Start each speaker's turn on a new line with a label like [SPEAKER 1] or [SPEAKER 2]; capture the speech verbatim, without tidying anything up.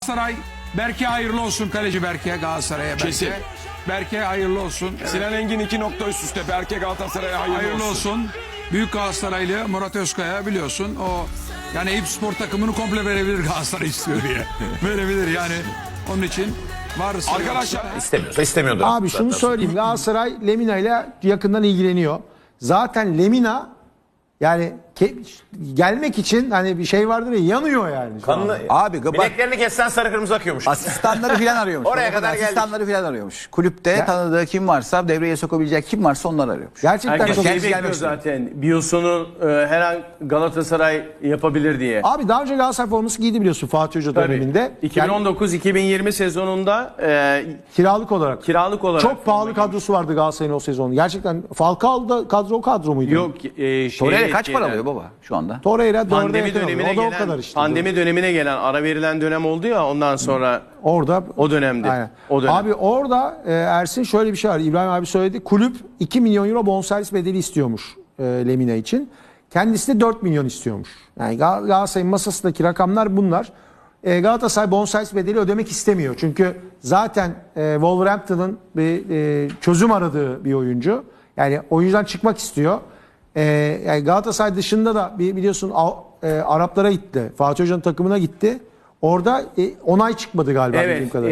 [SPEAKER 1] Galatasaray, Berke hayırlı olsun, kaleci Berke, Galatasaray'a Berke.
[SPEAKER 2] Kesin.
[SPEAKER 1] Berke hayırlı olsun.
[SPEAKER 2] Sinan Engin iki nokta üst üste. Berke Galatasaray'a hayırlı,
[SPEAKER 1] Hayırlı
[SPEAKER 2] olsun.
[SPEAKER 1] olsun. Büyük Galatasaraylı Murat Özkaya biliyorsun. O yani Eyüp Spor takımını komple verebilir, Galatasaray istiyor diye. Verebilir yani. Onun için varsa
[SPEAKER 2] Arkadaşlar
[SPEAKER 3] İstemiyorsa istemiyordur.
[SPEAKER 4] Abi şunu
[SPEAKER 3] Zaten.
[SPEAKER 4] söyleyeyim. Galatasaray Lemina ile yakından ilgileniyor. Zaten Lemina yani ke- gelmek için hani bir şey vardır ya, yanıyor yani. şu
[SPEAKER 3] Kanını,
[SPEAKER 4] anda.
[SPEAKER 5] Abi bak,
[SPEAKER 3] bileklerini kessen sarı kırmızı akıyormuş.
[SPEAKER 5] asistanları filan arıyormuş.
[SPEAKER 3] Oraya
[SPEAKER 5] Orada
[SPEAKER 3] kadar geldik.
[SPEAKER 5] Asistanları filan arıyormuş. Kulüpte
[SPEAKER 4] Ya-
[SPEAKER 5] tanıdığı kim varsa, devreye sokabilecek kim varsa onları arıyormuş.
[SPEAKER 4] Gerçekten
[SPEAKER 6] Herkes
[SPEAKER 4] çok
[SPEAKER 6] şey
[SPEAKER 5] Kendisi
[SPEAKER 6] bekliyor
[SPEAKER 5] gelmek istiyor.
[SPEAKER 6] zaten. Biyosunu e, her an Galatasaray yapabilir diye.
[SPEAKER 4] Abi daha önce Galatasaray forması giydi biliyorsun Fatih Hoca döneminde.
[SPEAKER 6] iki bin on dokuz iki bin yirmi sezonunda e,
[SPEAKER 4] Yani kiralık olarak.
[SPEAKER 6] kiralık olarak.
[SPEAKER 4] Çok pahalı kadrosu vardı Galatasaray'ın o sezon. Gerçekten Falcao'da kadro o kadro muydu?
[SPEAKER 6] Yok. E, şey,
[SPEAKER 5] Torreira kaç para
[SPEAKER 6] gelen-
[SPEAKER 5] alıyor baba şu anda?
[SPEAKER 4] Torreira dörde
[SPEAKER 6] Pandemi
[SPEAKER 4] yakın alıyor.
[SPEAKER 6] dönemine
[SPEAKER 4] O da o
[SPEAKER 6] gelen,
[SPEAKER 4] kadar işte.
[SPEAKER 6] pandemi dönemine gelen ara verilen dönem oldu ya, ondan sonra
[SPEAKER 4] Orada
[SPEAKER 6] o dönemde.
[SPEAKER 4] Aynen.
[SPEAKER 6] O dönem.
[SPEAKER 4] Abi orada e, Ersin şöyle bir şey var. İbrahim abi söyledi. Kulüp iki milyon euro bonservis bedeli istiyormuş e, Lemina için. Kendisi de dört milyon istiyormuş. Yani Gal- Galatasaray'ın masasındaki rakamlar bunlar. E, Galatasaray bonservis bedeli ödemek istemiyor. Çünkü zaten e, Wolverhampton'ın bir e, çözüm aradığı bir oyuncu. Yani oyuncudan çıkmak istiyor. E, yani Galatasaray dışında da bir biliyorsun Av- e, Araplara gitti. Fatih Hoca'nın takımına gitti. Orada e, onay çıkmadı galiba
[SPEAKER 6] Evet,
[SPEAKER 4] bildiğim kadarıyla.